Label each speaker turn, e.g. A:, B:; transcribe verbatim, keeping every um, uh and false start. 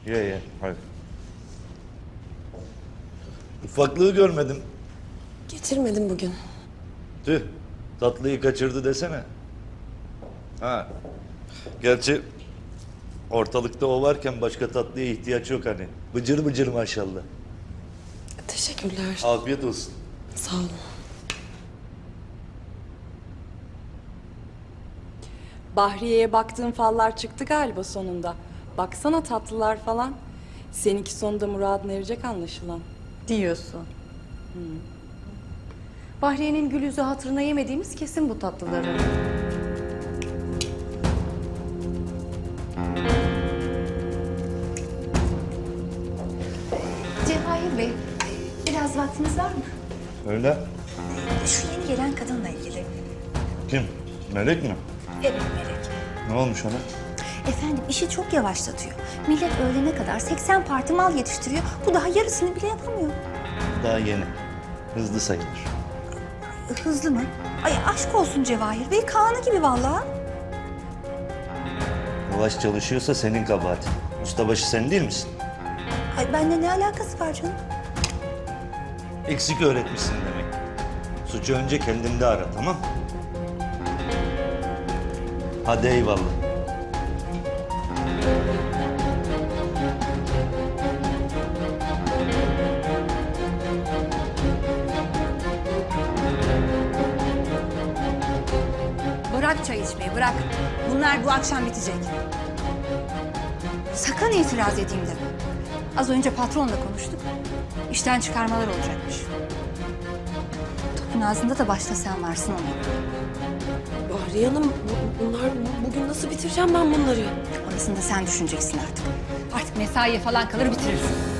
A: Ye ye, hadi. Ufaklığı görmedim.
B: Getirmedim bugün.
A: Tüh, tatlıyı kaçırdı desene. Ha. Gerçi ortalıkta o varken başka tatlıya ihtiyaç yok hani. Bıcır bıcır maşallah.
B: Teşekkürler.
A: Afiyet olsun.
B: Sağ olun.
C: Bahriye'ye baktığın fallar çıktı galiba sonunda. Baksana tatlılar falan. Seninki sonunda muradına erecek anlaşılan.
D: Diyorsun. Bahriye'nin gül yüzü hatırına yemediğimiz kesin bu tatlıları.
E: Cevahir Bey, biraz vaktiniz var mı?
A: Öyle.
E: Şu yeni gelen kadınla ilgili.
A: Kim? Melek mi?
E: Evet Melek.
A: Ne olmuş ona?
E: Efendim işi çok yavaşlatıyor. Millet öğlene kadar seksen parti mal yetiştiriyor. Bu daha yarısını bile yapamıyor.
A: Daha yeni. Hızlı sayılır.
E: Hızlı mı? Ay aşk olsun Cevahir Bey, Kaan'ı gibi vallahi.
A: Yavaş çalışıyorsa senin kabahatin. Ustabaşı sen değil misin?
E: Ay benimle ne alakası var canım?
A: Eksik öğretmişsin demek. Suçu önce kendinde ara, tamam mı? Hadi eyvallah.
E: Bırak çay içmeyi, bırak. Bunlar bu akşam bitecek. Sakın itiraz edeyim deme. Az önce patronla konuştuk. İşten çıkarmalar olacakmış. Topun ağzında da başta sen varsın ona.
B: Bahriye Hanım, bu- bunlar bugün nasıl bitireceğim ben bunları?
E: Orasını da sen düşüneceksin artık. Artık mesaiye falan kalır bitirirsin.